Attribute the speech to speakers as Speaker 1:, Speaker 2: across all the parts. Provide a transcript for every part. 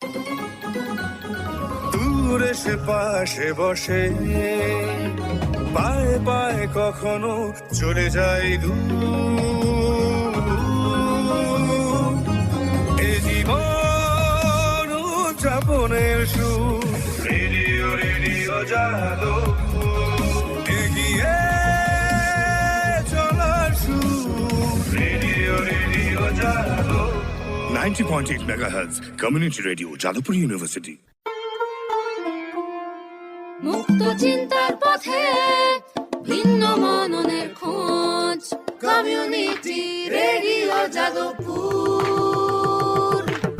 Speaker 1: দূরে সে পাশে বসে, পায়ে পায়ে কখনো চলে যায় দূর। এ জীবন উদযাপনের সুর, রেডিও রেডিও যাদবপুর। এগিয়ে চলার সুর, radio radio Jadavpur. 90.8 megahertz community radio, Jadavpur university.
Speaker 2: মুক্ত চিন্তার পথে ভিন্ন মননের খোঁজ, কমিউনিটি রেডিও যাদবপুর।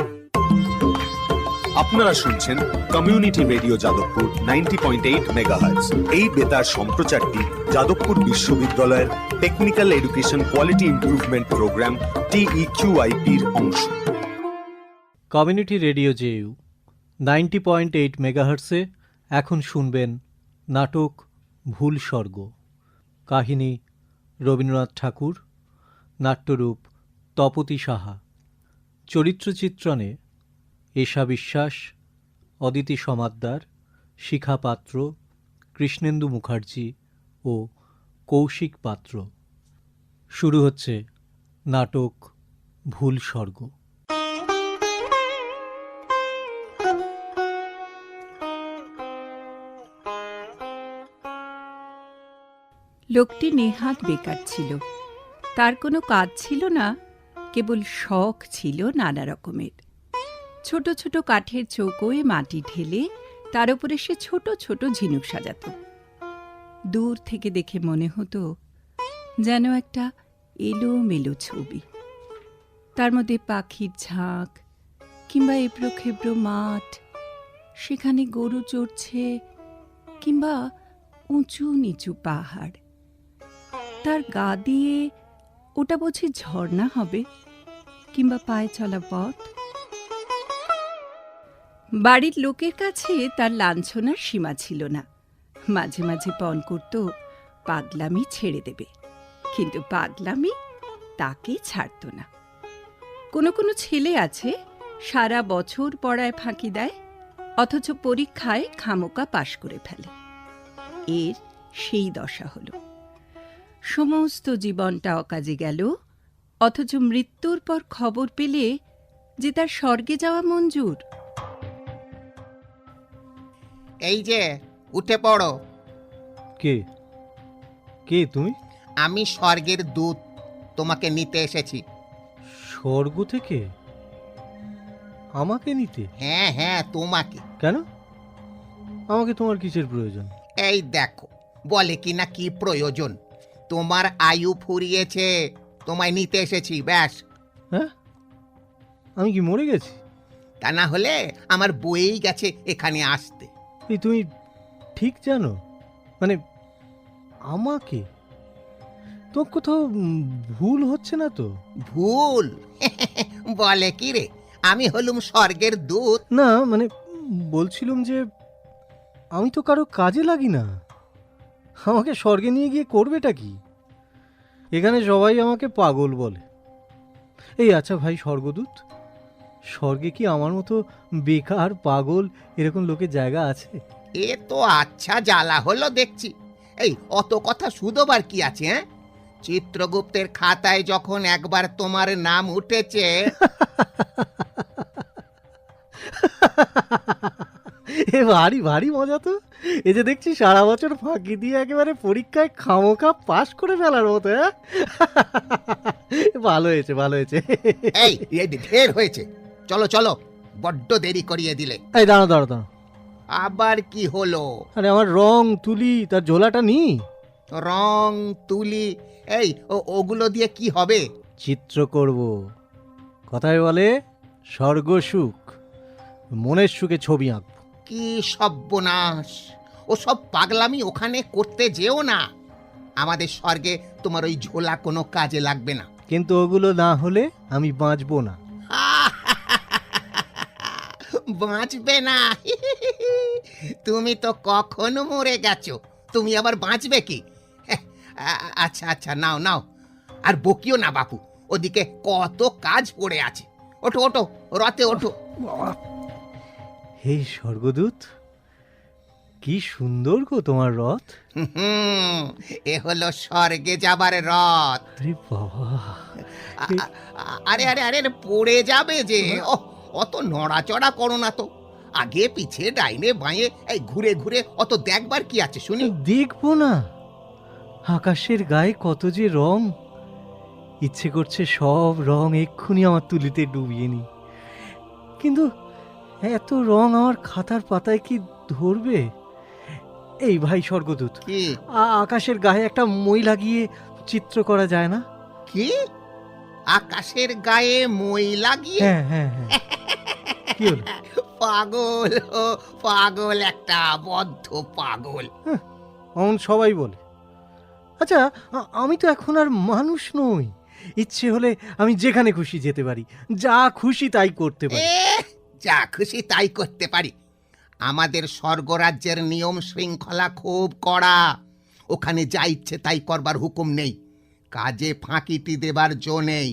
Speaker 3: আপনারা শুনছেন কমিউনিটি রেডিও যাদবপুর 90.8 মেগাহার্টজ। এই বেতার সম্প্রচারটি যাদবপুর বিশ্ববিদ্যালয়ের technical education quality improvement programme TEQIP-র অংশ।
Speaker 4: কমিউনিটি রেডিও জেইউ 90.8 মেগাহার্টসে এখন শুনবেন নাটক ভুল স্বর্গ। কাহিনী রবীন্দ্রনাথ ঠাকুর, নাট্যরূপ তপতী সাহা। চরিত্রচিত্রণে এশা বিশ্বাস, অদিতি সমাদ্দার, শিখা পাত্র, কৃষ্ণেন্দু মুখার্জি ও কৌশিক পাত্র। শুরু হচ্ছে নাটক ভুল স্বর্গ।
Speaker 5: লোকটি নেহাত বেকার ছিল। তার কোনো কাজ ছিল না, কেবল শখ ছিল নানা রকমের। ছোট ছোট কাঠের চৌকোয় মাটি ঢেলে তার উপরে সে ছোট ছোট ঝিনুক সাজাত। দূর থেকে দেখে মনে হতো যেন একটা এলোমেলো ছবি। তার মধ্যে পাখির ঝাঁক কিংবা এবড়ো খেবড়ো মাঠ, সেখানে গরু চড়ছে কিংবা উঁচু নিচু পাহাড়। তার গা দিয়ে ওটা বুঝি ঝর্ণা হবে কিংবা পায়ে চলা পথ। বাড়ির লোকের কাছে তার লাঞ্ছনার সীমা ছিল না। মাঝে মাঝে পণ করত পাগলামি ছেড়ে দেবে, কিন্তু পাগলামি তাকে ছাড়ত না। কোনো কোনো ছেলে আছে সারা বছর পড়ায় ফাঁকি দেয়, অথচ পরীক্ষায় খামোকা পাশ করে ফেলে। এর সেই দশা হল। সমস্ত জীবনটা অকাজে গেল, অথচ মৃত্যুর পর খবর পেলে যে তার স্বর্গে যাওয়া মঞ্জুর।
Speaker 6: এই যে উঠে পড়ো।
Speaker 4: কে কে তুমি?
Speaker 6: আমি স্বর্গের দূত, তোমাকে নিতে এসেছি।
Speaker 4: স্বর্গ থেকে আমাকে নিতে?
Speaker 6: হ্যাঁ হ্যাঁ, তোমাকে।
Speaker 4: কেন? আমাকে তোমার কিসের প্রয়োজন?
Speaker 6: এই দেখো, বলে কিনা কি প্রয়োজন। তোমার আয়ু ফুরিয়েছে, তোমায় নিতে এসেছি, ব্যাস।
Speaker 4: হ্যাঁ, আমি কি মরে গেছি?
Speaker 6: তা না হলে আমার বইয়েই গেছে এখানে আসতে।
Speaker 4: এই তুমি ঠিক জানো? মানে আমাকে তো কোথাও ভুল হচ্ছে না তো?
Speaker 6: ভুল? বলে কি রে, আমি হলুম স্বর্গের দূত।
Speaker 4: না মানে বলছিলাম যে আমি তো কারো কাজে লাগি না। আমাকে স্বর্গে নিয়ে গিয়ে করবেটা কি? এখানে সবাই আমাকে পাগল বলে। এই আচ্ছা ভাই স্বর্গদূত, স্বর্গে কি আমার মতো বেকার পাগল এরকম লোকের জায়গা আছে?
Speaker 6: এ তো আচ্ছা জ্বালা হলো দেখছি। এই অত কথা শুধোবার কি আছে? হ্যাঁ, চিত্রগুপ্তের খাতায় যখন একবার তোমার নাম উঠেছে।
Speaker 4: এ ভারী ভারী মজা তো। এই যে দেখছি সারা বছর ফাঁকি দিয়ে একেবারে পরীক্ষায় খামোখা পাশ করে ফেলার মতো। হ্যাঁ, ভালো হয়েছে ভালো হয়েছে।
Speaker 6: এই ঢের হয়েছে, চলো চলো, বড্ড দেরি করিয়ে দিলে।
Speaker 4: এই দাঁড়াও দাঁড়াও দাঁড়াও।
Speaker 6: আবার কি হলো?
Speaker 4: আরে আমার রং তুলি তার ঝোলাটা নি।
Speaker 6: রং তুলি? এই ওগুলো দিয়ে কি হবে?
Speaker 4: চিত্র করব। কথায় বলে স্বর্গ সুখ, মনের সুখে ছবি আঁকবো।
Speaker 6: কি সর্বনাশ! ও সব পাগলামি ওখানে করতে যেও না। আমাদের স্বর্গে তোমার ওই ঝোলা কোনো কাজে লাগবে না।
Speaker 4: কিন্তু ওগুলো না হলে আমি বাঁচবো না।
Speaker 6: বাঁচবে না? তুমি তো কখনো মরে গেছো, তুমি আবার বাঁচবে কি? আচ্ছা আচ্ছা, নাও নাও, আর বকিও না বাপু, ওদিকে কত কাজ পড়ে আছে। ওঠো ওঠো, রথে ওঠো।
Speaker 4: হে স্বর্গদূত, কি সুন্দর গো তোমার রথ।
Speaker 6: এ হলো স্বর্গে যাবার রথ।
Speaker 4: আরে বাবা,
Speaker 6: আরে আরে আরে পড়ে যাবে যে। ও, অত নড়াচড়া করো না তো। আগে পিছে ডাইনে বাঁয়ে এই ঘুরে ঘুরে অত দেখবার কি আছে শুনি?
Speaker 4: দেখবো না? আকাশের গায়ে কত যে রং, ইচ্ছে করছে সব রং এক্ষুনি আমার তুলিতে ডুবিয়ে নি। কিন্তু এত রং আমার খাতার পাতায় কি ধরবে? এই ভাই স্বর্গদূত,
Speaker 6: কি
Speaker 4: আকাশের গায়ে একটা মই লাগিয়ে চিত্র করা যায় না?
Speaker 6: কি আকাশের গায়ে মই লাগিয়ে?
Speaker 4: হ্যাঁ হ্যাঁ হ্যাঁ। কি হলো?
Speaker 6: পাগল, ও পাগল, একটা বদ্ধ পাগল।
Speaker 4: অমন সবাই বলে। আচ্ছা, আমি তো এখন আর মানুষ নই। ইচ্ছে হলে আমি যেখানে খুশি যেতে পারি, যা খুশি তাই করতে পারি।
Speaker 6: যা খুশি তাই করতে পারি? আমাদের স্বর্গরাজ্যের নিয়ম শৃঙ্খলা খুব কড়া। ওখানে যা ইচ্ছে তাই করবার হুকুম নেই, কাজে ফাঁকিটি দেবার জো নেই।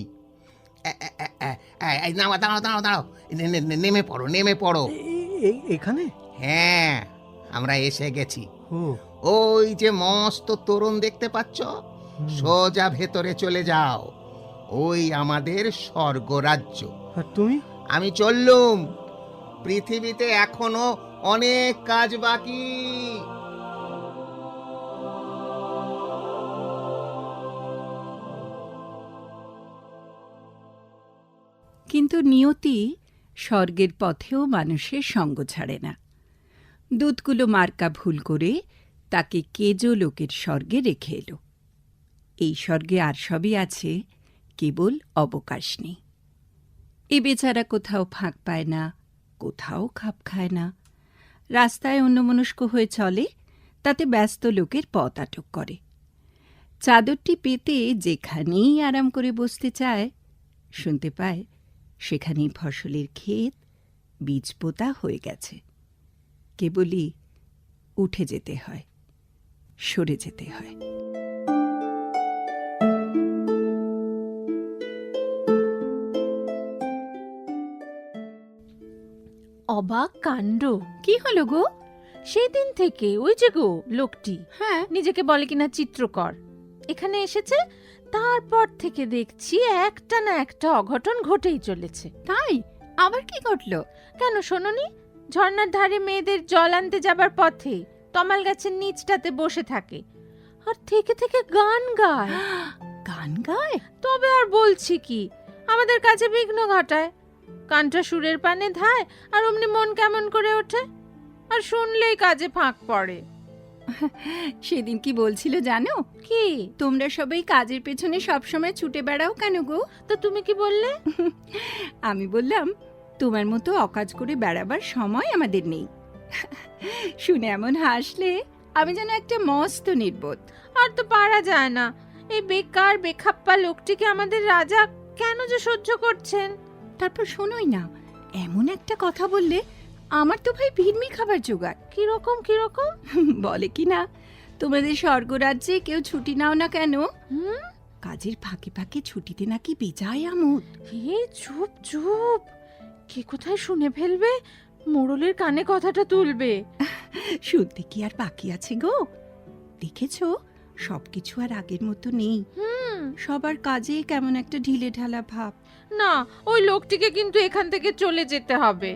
Speaker 6: দাঁড়াও দাঁড়াও দাঁড়াও দাঁড়াও, নেমে পড়ো নেমে পড়ো।
Speaker 4: এখানে?
Speaker 6: হ্যাঁ, আমরা এসে গেছি।
Speaker 4: ও,
Speaker 6: ওই যে মস্ত তোরণ দেখতে পাচ্ছ, সোজা ভেতরে চলে যাও। ওই আমাদের স্বর্গরাজ্য।
Speaker 4: আর তুমি?
Speaker 6: আমি চললুম। পৃথিবীতে এখনো অনেক কাজ বাকি।
Speaker 5: কিন্তু নিয়তি স্বর্গের পথেও মানুষের সঙ্গ ছাড়ে না। দূতগুলো মার্কা ভুল করে তাকে কেজো লোকের স্বর্গে রেখে এলো। এই স্বর্গে আর সবই আছে, কেবল অবকাশ নেই। এ বেচারা কোথাও ফাঁক পায় না, কোথাও খাপ খায় না। রাস্তায় অন্যমনস্ক হয়ে চলে, তাতে ব্যস্ত লোকের পথ আটক করে। চাদরটি পেতে যেখানেই আরাম করে বসতে চায়, শুনতে পায় সেখানেই ফসলের ক্ষেত, বীজ পোতা হয়ে গেছে। কেবলই উঠে যেতে হয়, সরে যেতে হয়।
Speaker 7: অবাক কাণ্ড!
Speaker 5: কি হলো গো?
Speaker 7: সেদিন থেকে ওই যে গো লোকটি
Speaker 5: হ্যাঁ,
Speaker 7: নিজেকে বলে কিনা চিত্রকর, এখানে এসেছে, তারপর থেকে দেখছি একটা না একটা অঘটন ঘটেই চলেছে।
Speaker 5: তাই? আবার কি ঘটল?
Speaker 7: কেন শোনোনি? ঝর্ণার ধারে মেয়েদের জল আনতে যাবার পথে তমাল গাছের নিচটাতে বসে থাকে আর থেকে থেকে গান গায়।
Speaker 5: গান গায়?
Speaker 7: তবে আর বলছি কি, আমাদের কাছে বিঘ্ন ঘটায়। কানটা সুরের পানে ধায় আর অমনি মন কেমন করে ওঠে, আর শুনলেই কাজে ফাঁক পড়ে।
Speaker 5: সেদিন কি বলছিল জানো?
Speaker 7: কি?
Speaker 5: তোমরা সবাই কাজের পেছনে সবসময় ছুটে বেড়াও কেন গো?
Speaker 7: তো তুমি কি বললে?
Speaker 5: আমি বললাম, তোমার মতো অকাজ করে বেড়াবার সময় আমাদের নেই। শুনে এমন হাসলে আমি যেন একটা মস্ত নির্বোধ।
Speaker 7: আর তো পারা যায় না, এই বেকার বেখাপ্পা লোকটিকে আমাদের রাজা কেন যে সহ্য করছেন।
Speaker 5: তারপর শোনোই না, এমন একটা কথা বললে আমার তো ভাই ভিড়মি খাবার জোগাড়।
Speaker 7: কিরকম কিরকম?
Speaker 5: বলে কি না, তোমাদের স্বর্গরাজ্যে কেউ ছুটি নাও না কেন,
Speaker 7: হুম?
Speaker 5: কাজের ফাঁকে ফাঁকে ছুটিতে নাকি বেজায় আমোদ।
Speaker 7: হে চুপ চুপ, কে কোথায় শুনে ফেলবে, মোড়লের কানে কথাটা তুলবে।
Speaker 5: শুনতে কি আর বাকি আছে গো? দেখেছো, সবকিছু আর আগের মতো নেই। সবার কাজে কেমন একটা ঢিলে ঢালা ভাব।
Speaker 7: না, ওই লোকটিকে কিন্তু এখান থেকে চলে যেতে হবে।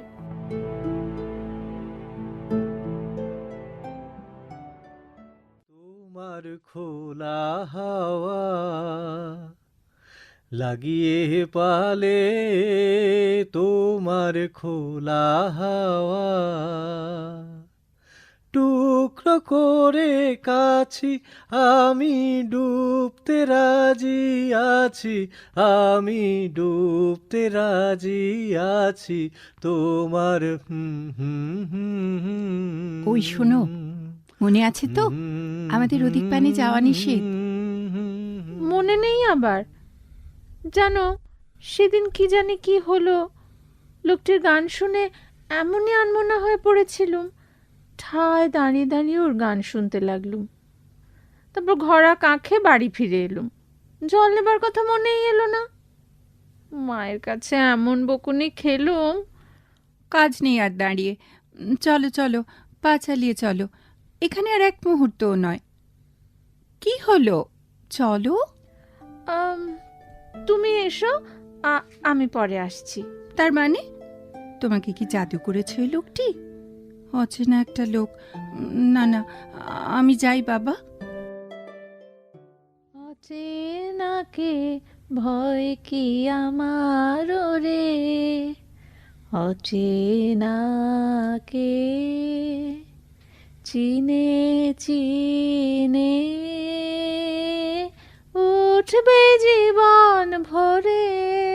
Speaker 4: তোমার খোলা হাওয়া লাগিয়ে পালে, তোমার খোলা হাওয়া টুকরো করে কাছি, আমি ডুবতে রাজি আছি, আমি ডুবতে রাজি আছি তোমার।
Speaker 5: ওই শোনো, মনে আছে তো আমাদের ওদিক পানে যাওয়া নিষেধ?
Speaker 7: মনে নেই আবার। জানো, সেদিন কি জানি কি হলো, লোকটির গান শুনে এমনই আনমনা হয়ে পড়েছিলুম, ঠায় দাঁড়িয়ে দাঁড়িয়ে ওর গান শুনতে লাগলুম। তারপর ঘোড়া কাঁখে বাড়ি ফিরে এলুম। জল নেবার কথা মনেই এলো না। মায়ের কাছে এমন বকুনি খেলুম।
Speaker 5: কাজ নেই আর দাঁড়িয়ে, চলো চলো, পা চালিয়ে চলো, এখানে আর এক মুহূর্তও নয়। কি হলো, চলো।
Speaker 7: তুমি এসো, আমি পরে আসছি।
Speaker 5: তার মানে তোমাকে কি জাদু করেছে ওই লোকটি? অচেনা একটা লোক। না না, আমি যাই বাবা।
Speaker 7: অচেনাকে ভয় কি আমার রে, অচেনাকে চিনে চিনে উঠবে জীবন ভরে,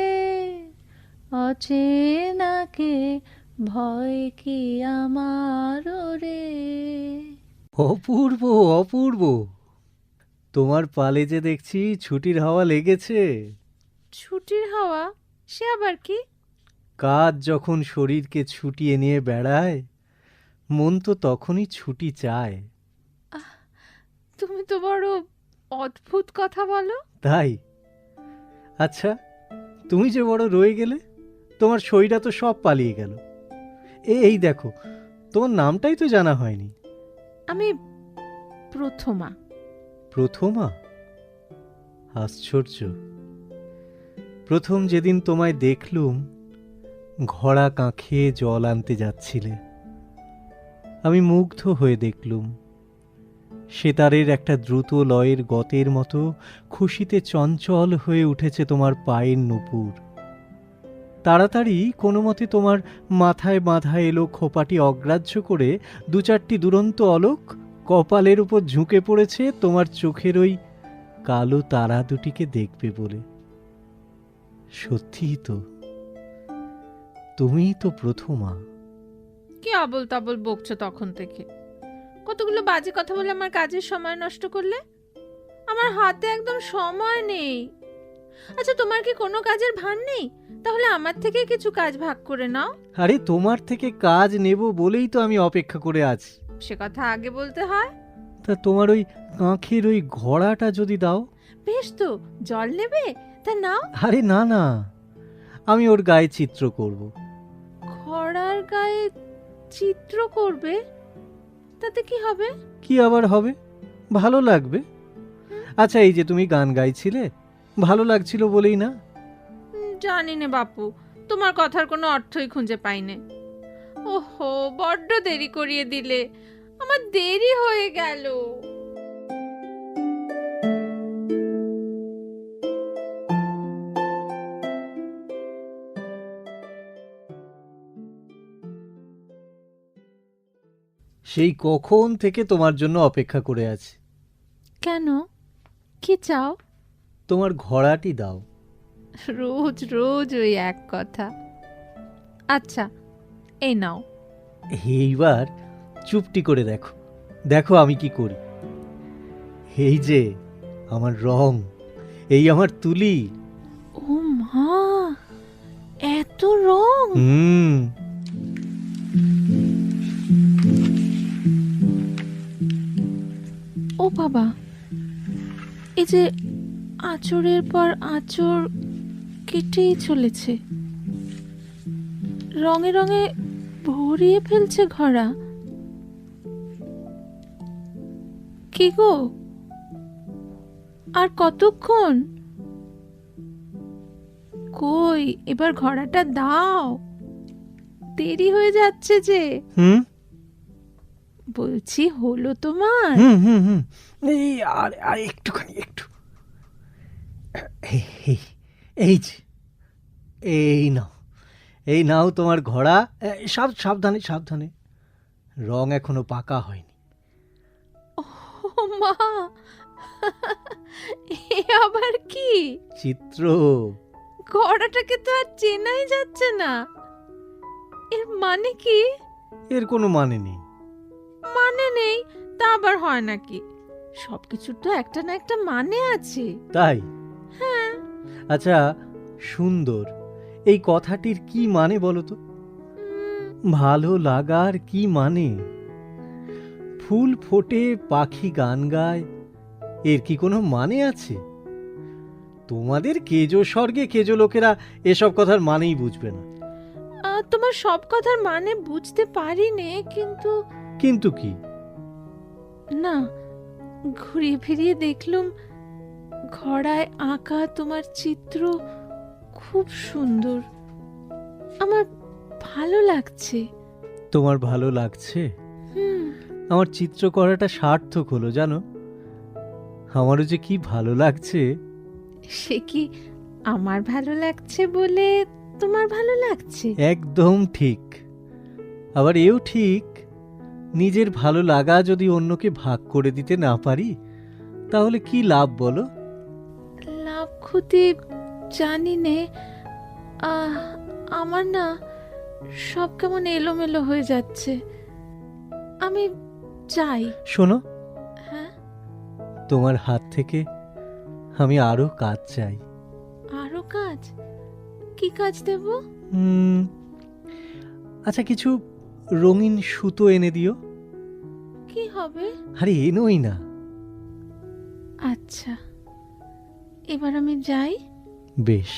Speaker 7: অচেনাকে ভয় কি আমার রে।
Speaker 4: অপূর্ব অপূর্ব, তোমার পালে যে দেখছি ছুটির হাওয়া লেগেছে।
Speaker 7: ছুটির হাওয়া? সে আবার কি?
Speaker 4: কাজ যখন শরীরকে ছুটিয়ে নিয়ে বেড়ায়, মন তো তখনই ছুটি চায়।
Speaker 7: তুমি তো বড় অদ্ভুত কথা বলো।
Speaker 4: তাই? আচ্ছা, তুমি যে বড় রয়ে গেলে, তোমার শরীরা তো সব পালিয়ে গেল। এই দেখো, তোমার নামটাই তো জানা হয়নি।
Speaker 7: আমি প্রথমা।
Speaker 4: প্রথমা? আশ্চর্য। প্রথম যেদিন তোমায় দেখলুম, ঘড়া কাঁখে জল আনতে যাচ্ছিলে। আমি মুগ্ধ হয়ে দেখলুম, সেতারের একটা দ্রুত লয়ের গতের মতো খুশিতে চঞ্চল হয়ে উঠেছে তোমার পায়ের নুপুর। তাড়াতাড়ি কোনো মতে তোমার মাথায় বাঁধা এলো খোপাটি অগ্রাহ্য করে দু চারটি দুরন্ত অলোক কপালের উপর ঝুঁকে পড়েছে তোমার চোখের ওই কালো তারা দুটিকে দেখবে বলে। সত্যিই তো, তুমিই তো প্রথমা।
Speaker 7: কি আবল তাবল বকছো তখন থেকে? কতগুলো বাজে কথা বলে আমার কাজের সময় নষ্ট করলে। আমার হাতে একদম সময় নেই। আচ্ছা, তোমার কি কোনো কাজের ভান নেই? তাহলে আমার থেকে কিছু কাজ ভাগ করে নাও।
Speaker 4: আরে, তোমার থেকে কাজ নেব বলেই তো আমি অপেক্ষা করে আছি।
Speaker 7: সে কথা আগে বলতে হয়।
Speaker 4: তা তোমার ওই কাঁখের ওই ঘোড়াটা যদি দাও।
Speaker 7: বেশ তো, জল নেবে? তা নাও।
Speaker 4: আরে না না, আমি ওর গায়ে চিত্র করব।
Speaker 7: ঘোড়ার গায়ে চিত্র করবে? তাতে কি হবে?
Speaker 4: কি আবার হবে? ভালো লাগবে। আচ্ছা, এই যে তুমি গান গাইছিলে, ভালো লাগছিল বলেই না?
Speaker 7: জানি না বাপু, তোমার কথার কোনো অর্থই খুঁজে পাইনে। ওহো, বড্ড দেরি করিয়ে দিলে, আমার দেরি হয়ে গেল।
Speaker 4: সেই কখন থেকে তোমার জন্য অপেক্ষা করে আছি।
Speaker 7: কেন? কি চাও?
Speaker 4: তোমার ঘোড়াটি দাও।
Speaker 7: রোজ রোজ ওই এক কথা। আচ্ছা, এই নাও।
Speaker 4: এইবার চুপটি করে দেখো, দেখো আমি কি করি। এই যে আমার রং, এই আমার তুলি।
Speaker 7: ও মা, এত রং! ও বাবা, এই যে আঁচড়ের পর আঁচড় কেটেই চলেছে, রঙে রঙে ভরিয়ে ফেলছে ঘোড়া। কি গো, আর কতক্ষণ? কই, এবার ঘোড়াটা দাও, দেরি হয়ে যাচ্ছে যে। বলছি, হলো তোমার?
Speaker 4: এই আর আর একটুখানি, একটু। এই যে, এই নাও, এই নাও তোমার ঘোড়া। সাবধানে সাবধানে, রং এখনো পাকা হয়নি।
Speaker 7: ও মা, এ আবার কি
Speaker 4: চিত্র?
Speaker 7: ঘোড়াটাকে তো আর চেনাই যাচ্ছে না। এর মানে কি?
Speaker 4: এর কোনো মানে নেই।
Speaker 7: মানে নেই তা আবার হয় নাকি? সবকিছুর তো একটা না একটা মানে আছে।
Speaker 4: তাই?
Speaker 7: হ্যাঁ।
Speaker 4: আচ্ছা, সুন্দর এই কথাটির কি মানে বলো তো? ভালো লাগার কি মানে? ফুল ফোটে, পাখি গান গায়, এর কি কোনো মানে আছে? তোমাদের কেজো স্বর্গে কেজো লোকেরা এসব কথার মানেই বুঝবে না।
Speaker 7: তোমার সব কথার মানে বুঝতে পারি নে, কিন্তু
Speaker 4: কিন্তু কি?
Speaker 7: না, ঘুরিয়ে ফিরিয়ে দেখলুম ঘড়ায় আঁকা তোমার চিত্র খুব সুন্দর। আমার ভালো লাগছে।
Speaker 4: তোমার ভালো লাগছে?
Speaker 7: হুম,
Speaker 4: আমার চিত্র করাটা সার্থক হলো জানো। আমারও যে কি ভালো লাগছে।
Speaker 7: সে কি আমার ভালো লাগছে বলে তোমার ভালো লাগছে?
Speaker 4: একদম ঠিক। আবার এও ঠিক, নিজের ভালো লাগা যদি অন্যকে ভাগ করে দিতে না পারি তাহলে কি লাভ বলো?
Speaker 7: লাভ ক্ষতি জানি নে। আমার না সব কেমন এলোমেলো হয়ে যাচ্ছে। আমি যাই।
Speaker 4: শোনো,
Speaker 7: হ্যাঁ,
Speaker 4: তোমার হাত থেকে আমি আরো কাজ চাই।
Speaker 7: আরো কাজ? কি কাজ দেব?
Speaker 4: আচ্ছা, কিছু রঙিন সুতো এনে দিও।
Speaker 7: কি হবে?
Speaker 4: আরে এনোই না।
Speaker 7: আচ্ছা, এবার আমি যাই।
Speaker 4: বেশ।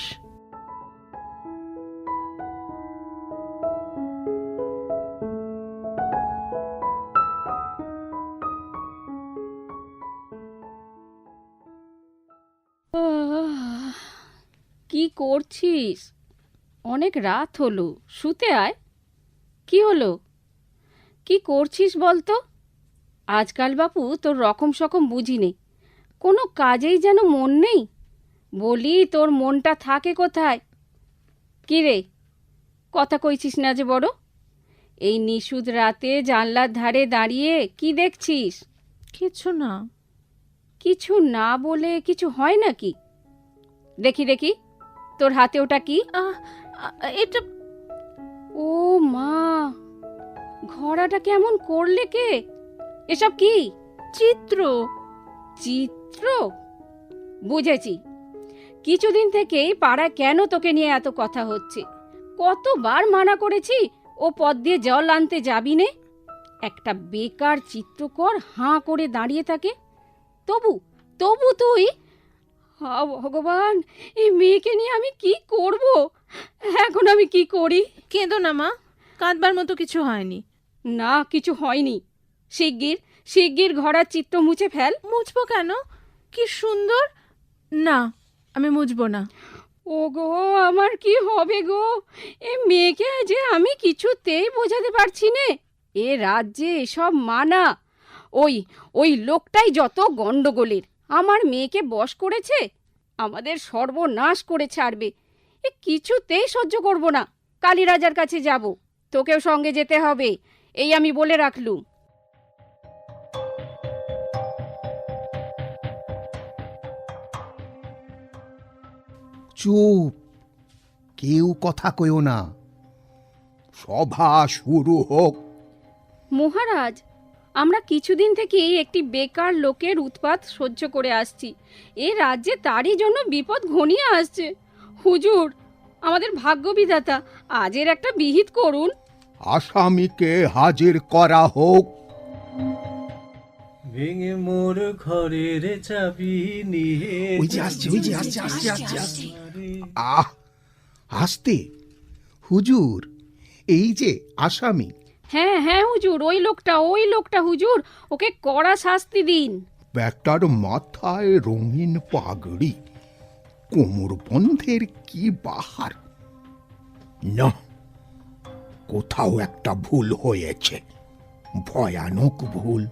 Speaker 2: কি করছিস? অনেক রাত হলো, শুতে আয়। কি হলো? কি করছিস বলতো? আজকাল বাপু তোর রকম সকম বুঝি নেই, কোনো কাজেই যেন মন নেই। বলি, তোর মনটা থাকে কোথায়? কি রে, কথা কইছিস না যে বড়? এই নিশুদ রাতে জানলার ধারে দাঁড়িয়ে কি দেখছিস?
Speaker 7: কিছু না।
Speaker 2: কিছু না বলে কিছু হয় নাকি? দেখি দেখি, তোর হাতে ওটা কি?
Speaker 7: এটা
Speaker 2: ও মা, ঘোড়াটা কেমন করলে কে? এসব কি?
Speaker 7: চিত্র।
Speaker 2: চিত্র? বুঝেছি। কিছুদিন থেকেই পাড়ায় কেন তোকে নিয়ে এত কথা হচ্ছে। কতবার মানা করেছি ও পথ দিয়ে জল আনতে যাবি নে। একটা বেকার চিত্রকর হাঁ করে দাঁড়িয়ে থাকে। তবু তবু তুই, হা ভগবান, এই মেয়েকে নিয়ে আমি কি করব? এখন আমি কি করি?
Speaker 7: কেঁদো না মা, কাঁদবার মতো কিছু হয়নি।
Speaker 2: না, কিছু হয়নি। শিগগির শিগগির ঘোড়ার চিত্র মুছে ফেল।
Speaker 7: মুছবো কেন? কি সুন্দর। না, আমি মুছবো না।
Speaker 2: ও গো, আমার কি হবে গো? এ মেয়েকে যে আমি কিছুতেই বোঝাতে পারছি নে। এ রাজ্যে এসব মানা। ওই ওই লোকটাই যত গন্ডগোলের। আমার মেয়েকে বশ করেছে, আমাদের সর্বনাশ করে ছাড়বে। এ কিছুতেই সহ্য করব না। কালীরাজার কাছে যাব, তোকেও সঙ্গে যেতে হবে, এই আমি বলে রাখলুম।
Speaker 6: চুপ, কেউ কথা কইও না। সভা শুরু হোক।
Speaker 2: মহারাজ, আমরা কিছুদিন থেকেই একটি বেকার লোকের উৎপাত সহ্য করে আসছি। এ রাজ্যে তারই জন্য বিপদ ঘনিয়ে আসছে। হুজুর, আমাদের ভাগ্যবিধাতা আজের একটা বিহিত করুন।
Speaker 6: আসামিকে হাজির করা হোক।
Speaker 4: ভেঙে মোর ঘরের চাবি নিয়ে
Speaker 6: ওই যে আসছে, ওই যে আসছে, আসছে, আসছে, আসছে। আহ, আসতে। হুজুর, এই যে আসামি।
Speaker 2: হ্যাঁ হ্যাঁ হুজুর, ওই লোকটা হুজুর, ওকে কড়া শাস্তি দিন।
Speaker 6: ব্যাটার মাথায় রঙিন পাগড়ি, কোমর বন্ধের কি বাহার। না, কোথাও একটা ভুল হয়েছে, ভয়ানক ভুল।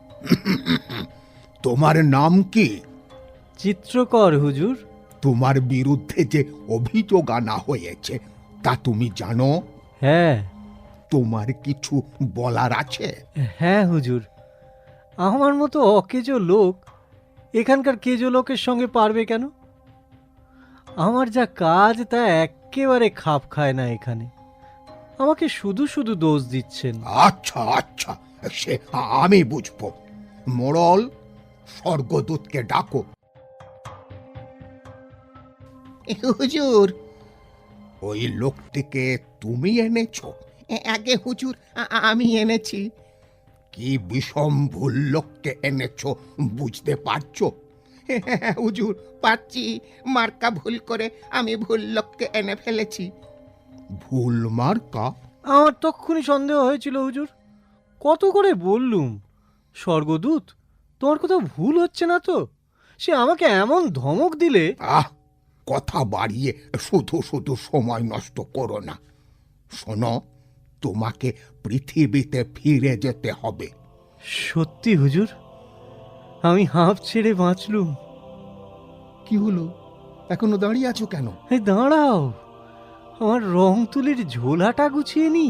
Speaker 6: তোমার নাম কি?
Speaker 4: চিত্রকর হুজুর।
Speaker 6: তোমার বিরুদ্ধে যে অভিযোগ আনা হয়েছে তা তুমি জানো?
Speaker 4: হ্যাঁ।
Speaker 6: তোমার কিছু বলার আছে?
Speaker 4: হ্যাঁ হুজুর, আমার মতো অকেজো লোক এখানকার কেজো লোকের সঙ্গে পারবে কেন? আমার যা কাজ তা একেবারে খাপ খায় না এখানে। আমাকে শুধু শুধু দোষ দিচ্ছেন।
Speaker 6: আচ্ছা আচ্ছা, সে আমি বুঝবো। মোড়ল, স্বর্গদূতকে ডাকো। হুজুর, ওই লোকটিকে তুমি এনেছো? আগে হুজুর, আমি এনেছি। কি বিষম ভুল লোককে এনেছো বুঝতে পারছো? হুজুর, পারছি। মার্কা ভুল করে আমি ভুল লোককে এনে ফেলেছি। ভুল মার্কা?
Speaker 4: আমার তক্ষুনি সন্দেহ হয়েছিল হুজুর, কত করে বললুম স্বর্গদূত তোমার কোথাও ভুল হচ্ছে না তো। সে আমাকে এমন ধমক দিলে।
Speaker 6: কথা বাড়িয়ে শুধু শুধু সময় নষ্ট করো না। শোনো, তোমাকে পৃথিবীতে ফিরে যেতে হবে।
Speaker 4: সত্যি হুজুর, আমি হাঁপ ছেড়ে বাঁচলুম।
Speaker 6: কি হলো, এখনো দাঁড়িয়ে আছো কেন?
Speaker 4: এই দাঁড়াও, আমার রং তুলির ঝোলাটা গুছিয়ে নি।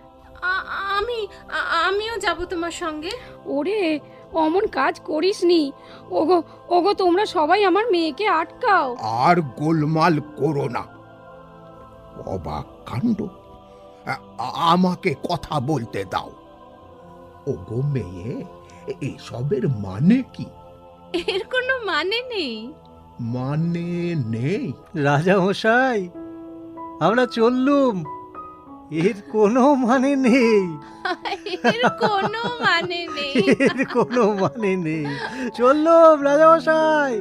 Speaker 7: আমিও যাব তোমার সঙ্গে।
Speaker 2: ওরে অমন কাজ করিসনি। ওগো ওগো, তোমরা সবাই আমার মেয়েকে আটকাও।
Speaker 6: আর গোলমাল করো না। অবাক কাণ্ড, আমাকে কথা বলতে দাও। ওগো মেয়ে, এসবের মানে কি?
Speaker 7: এর কোনো মানে নেই।
Speaker 6: মানে নেই?
Speaker 4: রাজা মশাই, আমরা চললুম, এর কোনো মানে নেই।
Speaker 7: এর কোনো মানে নেই।
Speaker 4: এর কোনো মানে নেই। চললুম রাজা মশাই।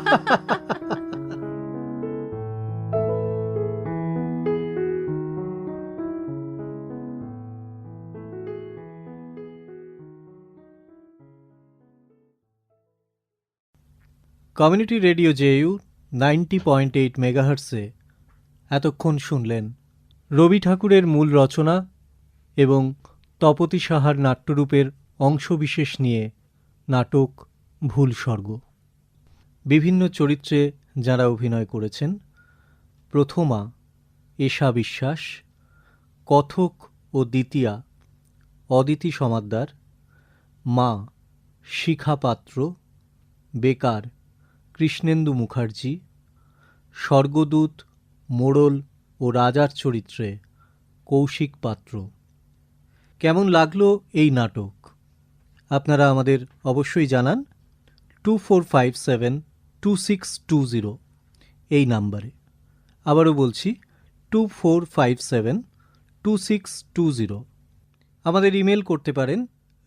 Speaker 4: কমিউনিটি রেডিও জেইউ 90.8 মেগাহার্টসে এতক্ষণ শুনলেন রবি ঠাকুরের মূল রচনা এবং তপতী সাহার নাট্যরূপের অংশবিশেষ নিয়ে নাটক ভুল স্বর্গ। বিভিন্ন চরিত্রে যারা অভিনয় করেছেন: প্রথমা এশা বিশ্বাস, কথক ও দ্বিতীয়া অদিতি সমাদ্দার, মা শিখা পাত্র, বেকার কৃষ্ণেন্দু মুখার্জি, স্বর্গদূত মোড়ল ও রাজার চরিত্রে কৌশিক পাত্র। কেমন লাগলো এই নাটক আপনারা আমাদের অবশ্যই জানান 24572620 এই নাম্বারে। আবারও বলছি 24572620। আমাদের ইমেল করতে পারেন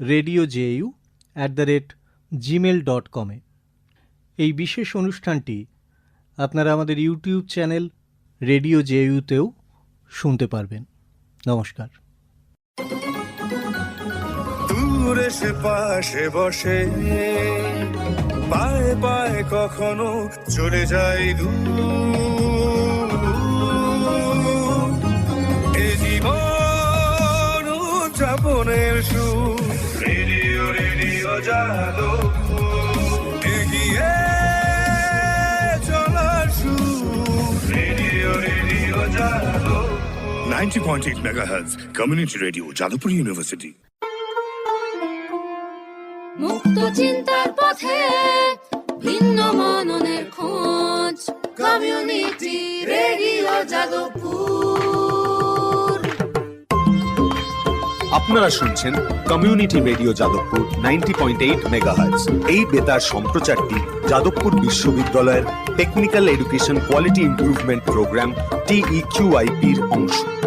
Speaker 4: radiojeu@gmail.com-এ। এই বিশেষ অনুষ্ঠানটি আপনারা আমাদের ইউটিউব চ্যানেল রেডিও জেইউতেও শুনতে পারবেন। নমস্কার।
Speaker 1: দূরে সে পাশে বসে, পায়ে পায়ে কখনো চলে যায় দূর। এ জীবন উদযাপনের সুর, রেডিও রেডিও যাদবপুর, এগিয়ে চলার সুর, radio radio Jadavpur. 90.8 megahertz community radio, Jadavpur University.
Speaker 8: মুক্ত চিন্তার পথে ভিন্ন মননের খোঁজ, কমিউনিটি রেডিও যাদবপুর।
Speaker 3: আপনারা শুনছেন কমিউনিটি রেডিও যাদবপুর 90.8 মেগাহার্টজ। এই বেতার সম্প্রচারটি যাদবপুর বিশ্ববিদ্যালয়ের technical education quality improvement programme TEQIP-র অংশ।